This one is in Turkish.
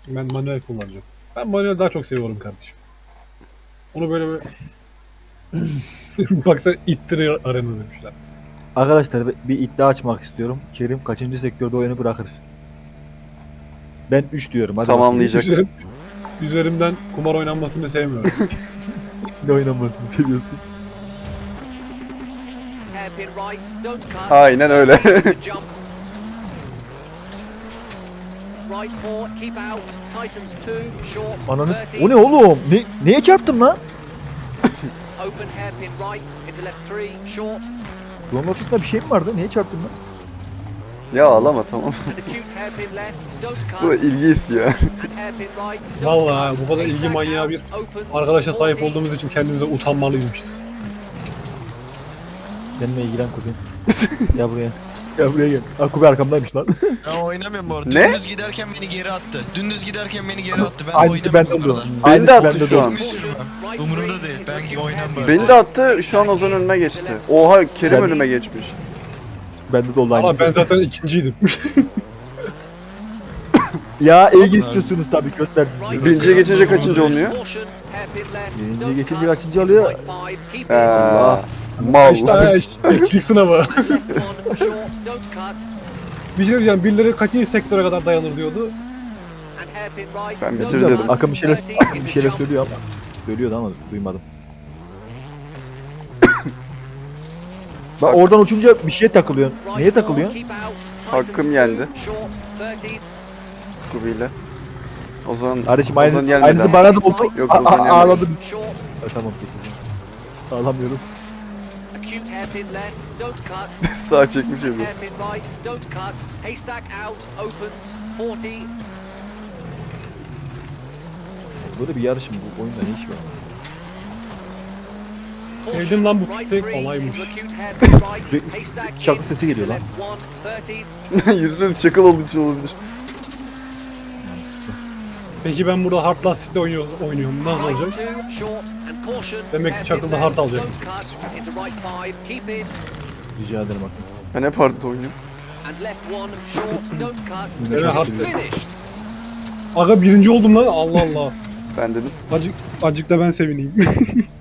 Ben manuel kullanacağım. Ben manuel daha çok seviyorum kardeşim. Onu böyle baksa ittirir arena demişler. Arkadaşlar bir iddia açmak istiyorum. Kerim kaçıncı sektörde oyunu bırakır? Ben 3 diyorum. Hadi bakayım. Tamamlayacak. Üzerimden kumar oynanmasını sevmiyorum. Ne oynamasını seviyorsun? Hairpin right, don't cut. Aynen öyle. Jump. Right four, keep out. Titans two, short. Ananı... 30. O ne oğlum? Neye çarptım lan? Open hairpin right into left three, short. Yolun ortasında bir şey mi vardı? Neye çarptım lan? Ya ağlama tamam. And acute hairpin left, don't Bu cut. ilgi istiyor. And hairpin right. don't Vallahi cut. bu kadar ilgi Haystack manyağı out, bir opens, arkadaşa sahip 40. olduğumuz için kendimize utanmalıymışız. Benimle ilgilen Kubi. Gel buraya. Gel buraya gel. Aa, Kubi arkamdaymış lan. Ben oynamıyorum bu arada. Ne? Dümdüz giderken beni geri attı. Dümdüz giderken beni geri attı. Ben Aynısı bende oynamıyorum oluyor. burada. Beni de Aynısı attı bende şu oluyor. an. Bir sürü var. Umurumda değil. Ben gibi oynam böyle. Beni de attı. Şu an Ozan önüme geçti. Oha Kerim önüme geçmiş. Bende de oldu Ama aynısı. ben zaten ikinciydim. Ya ilgi istiyorsunuz tabii göster sizi. Birinciye geçince kaçıncı olmuyor? Caution, hairpin left, Birinciye don't geçince cut. kaçıncı oluyor? Right five, keep it. Allah. Mal. işte ekçilik sınavı. Left one, short, don't cut. Bir şey diyeceğim, birileri kaçıncı sektöre kadar dayanır diyordu. And hairpin right, Ben don't bitirdim. cut. Akın bir şeyler, 30 Akın bir into şeyler jump. söylüyor ama. Söylüyordu ama duymadım. Bak oradan uçunca bir şeye takılıyorsun. Right Neye four, takılıyorsun? keep out. Hakkım Titans yendi. two, short, 30. Kubiyle. Ozan, Kardeşim Ozan gelmedi. aynısı bana da oldu. Yok, Ozan gelmedi. Ağladım. Short, Tamam kesin. Ağlamıyorum. acute hairpin left, don't cut. Sağ çekmiş evi. Hairpin right, don't cut. Haystack out, opens, 40. Böyle bir yarışım bu oyunda ne iş var? Sevdim lan bu Right pistek, three olaymış. into acute hairpin right. Sürekli Haystack şarkı in, sesi geliyor lan. left one, 30. Yüzünüz çakıl olduğu için olabilir. Peki ben burada hard lastikle oynuyorum. Nasıl Right olacak? two, short, and caution. Demek ki Hairpin çakılda left, hard alacak. don't cut. Into right five, keep it. Rica ederim Akın. Ben hep hardta oynuyorum. And left one, short, don't cut. Evet, hard Finish. Aga birinci oldum lan, Allah Allah. Ben dedim. Acık da ben sevineyim.